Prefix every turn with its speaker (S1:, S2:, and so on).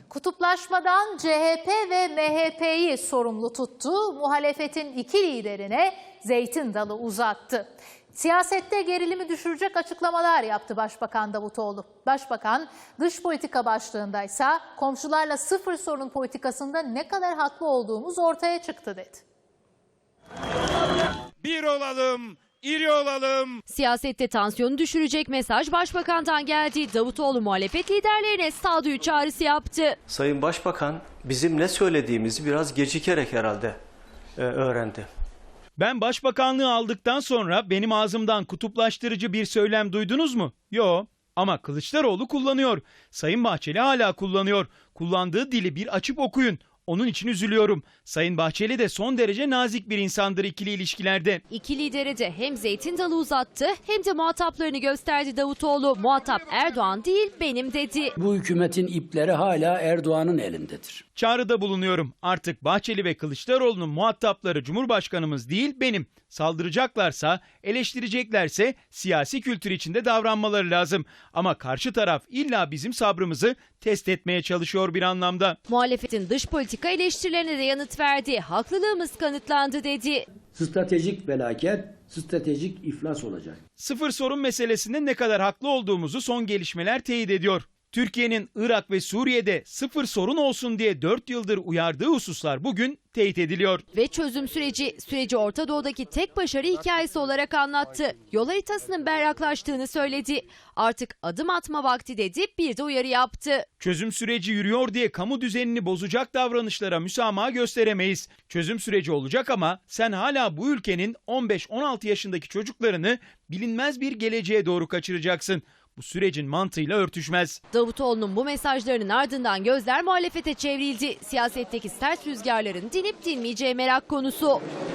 S1: Kutuplaşmadan CHP ve MHP'yi sorumlu tuttu, muhalefetin iki liderine zeytin dalı uzattı. Siyasette gerilimi düşürecek açıklamalar yaptı Başbakan Davutoğlu. Başbakan dış politika başlığındaysa komşularla sıfır sorun politikasında ne kadar haklı olduğumuz ortaya çıktı dedi.
S2: Bir olalım, iri olalım.
S3: Siyasette tansiyonu düşürecek mesaj Başbakan'dan geldi. Davutoğlu muhalefet liderlerine sağduyu çağrısı yaptı.
S4: Sayın Başbakan bizim ne söylediğimizi biraz gecikerek herhalde öğrendi.
S2: Ben başbakanlığı aldıktan sonra benim ağzımdan kutuplaştırıcı bir söylem duydunuz mu? Yo. Ama Kılıçdaroğlu kullanıyor. Sayın Bahçeli hala kullanıyor. Kullandığı dili bir açıp okuyun. Onun için üzülüyorum. Sayın Bahçeli de son derece nazik bir insandır ikili ilişkilerde.
S3: İki lidere de hem zeytin dalı uzattı hem de muhataplarını gösterdi Davutoğlu. Muhatap Erdoğan değil benim dedi.
S5: Bu hükümetin ipleri hala Erdoğan'ın elindedir.
S2: Çağrıda bulunuyorum. Artık Bahçeli ve Kılıçdaroğlu'nun muhatapları Cumhurbaşkanımız değil benim. Saldıracaklarsa, eleştireceklerse siyasi kültür içinde davranmaları lazım. Ama karşı taraf illa bizim sabrımızı test etmeye çalışıyor bir anlamda.
S3: Muhalefetin dış politika eleştirilerine de yanıt verdi. Haklılığımız kanıtlandı dedi.
S5: Stratejik felaket, stratejik iflas olacak.
S2: Sıfır sorun meselesinde ne kadar haklı olduğumuzu son gelişmeler teyit ediyor. Türkiye'nin Irak ve Suriye'de sıfır sorun olsun diye 4 yıldır uyardığı hususlar bugün teyit ediliyor.
S3: Ve çözüm süreci Orta Doğu'daki tek başarı hikayesi olarak anlattı. Yol haritasının berraklaştığını söyledi. Artık adım atma vakti dedi, bir de uyarı yaptı.
S2: Çözüm süreci yürüyor diye kamu düzenini bozacak davranışlara müsamaha gösteremeyiz. Çözüm süreci olacak ama sen hala bu ülkenin 15-16 yaşındaki çocuklarını bilinmez bir geleceğe doğru kaçıracaksın. Bu sürecin mantığıyla örtüşmez.
S3: Davutoğlu'nun bu mesajlarının ardından gözler muhalefete çevrildi. Siyasetteki sert rüzgarların dinip dinmeyeceği merak konusu.